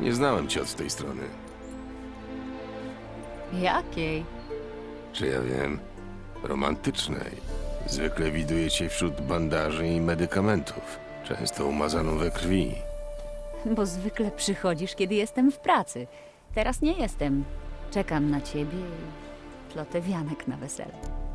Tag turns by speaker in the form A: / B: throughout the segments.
A: Nie znałem cię od tej strony.
B: Jakiej?
A: Czy ja wiem? Romantycznej. Zwykle widuję cię wśród bandaży i medykamentów. Często umazaną we krwi.
B: Bo zwykle przychodzisz, kiedy jestem w pracy. Teraz nie jestem. Czekam na ciebie i plotę wianek na wesele.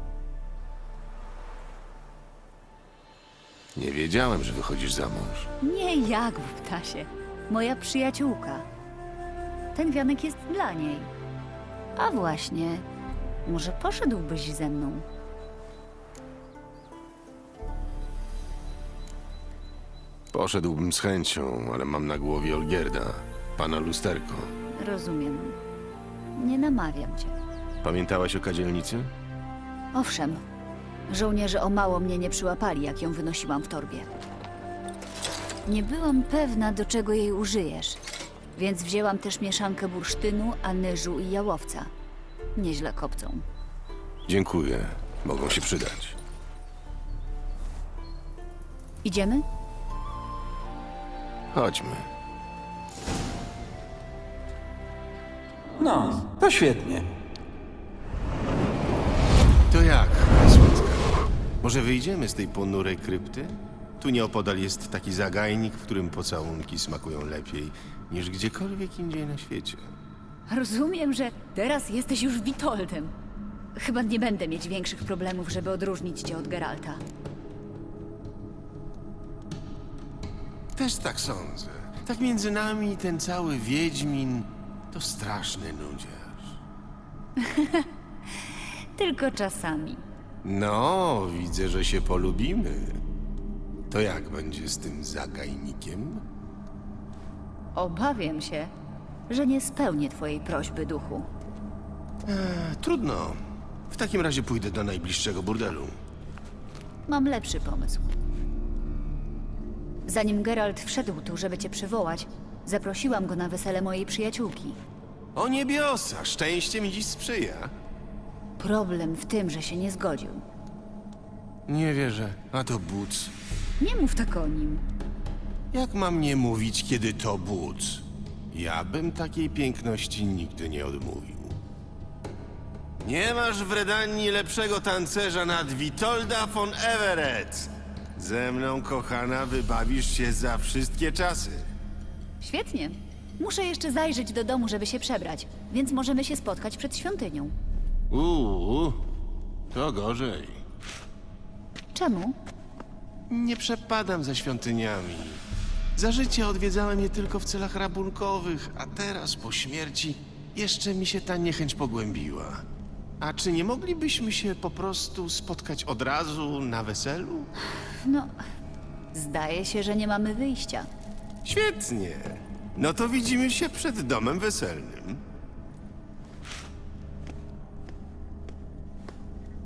A: Nie wiedziałem, że wychodzisz za mąż.
B: Nie jak w ptasie. Moja przyjaciółka. Ten wianek jest dla niej. A właśnie, może poszedłbyś ze mną?
A: Poszedłbym z chęcią, ale mam na głowie Olgierda, pana lusterko.
B: Rozumiem. Nie namawiam cię.
A: Pamiętałaś o kadzielnicy?
B: Owszem, żołnierze o mało mnie nie przyłapali, jak ją wynosiłam w torbie. Nie byłam pewna, do czego jej użyjesz, więc wzięłam też mieszankę bursztynu, anyżu i jałowca. Nieźle kopcą.
A: Dziękuję. Mogą się przydać.
B: Idziemy?
A: Chodźmy.
C: No, to świetnie.
A: To jak, Słodka? Może wyjdziemy z tej ponurej krypty? Tu nieopodal jest taki zagajnik, w którym pocałunki smakują lepiej niż gdziekolwiek indziej na świecie.
B: Rozumiem, że teraz jesteś już Witoldem. Chyba nie będę mieć większych problemów, żeby odróżnić cię od Geralta.
A: Też tak sądzę. Tak między nami ten cały Wiedźmin to straszny nudziarz.
B: Tylko czasami.
A: No, widzę, że się polubimy. To jak będzie z tym zagajnikiem?
B: Obawiam się, że nie spełnię twojej prośby, duchu.
A: Trudno. W takim razie pójdę do najbliższego burdelu.
B: Mam lepszy pomysł. Zanim Geralt wszedł tu, żeby cię przywołać, zaprosiłam go na wesele mojej przyjaciółki.
A: O niebiosa, szczęście mi dziś sprzyja.
B: Problem w tym, że się nie zgodził.
A: Nie wierzę. A to Buc.
B: Nie mów tak o nim.
A: Jak mam nie mówić, kiedy to Buc? Ja bym takiej piękności nigdy nie odmówił. Nie masz w Redanii lepszego tancerza nad Witolda von Everett. Ze mną, kochana, wybawisz się za wszystkie czasy.
B: Świetnie. Muszę jeszcze zajrzeć do domu, żeby się przebrać, więc możemy się spotkać przed świątynią.
A: To gorzej.
B: Czemu?
A: Nie przepadam za świątyniami. Za życia odwiedzałem je tylko w celach rabunkowych, a teraz po śmierci jeszcze mi się ta niechęć pogłębiła. A czy nie moglibyśmy się po prostu spotkać od razu na weselu?
B: No, zdaje się, że nie mamy wyjścia.
A: Świetnie. No to widzimy się przed domem weselnym.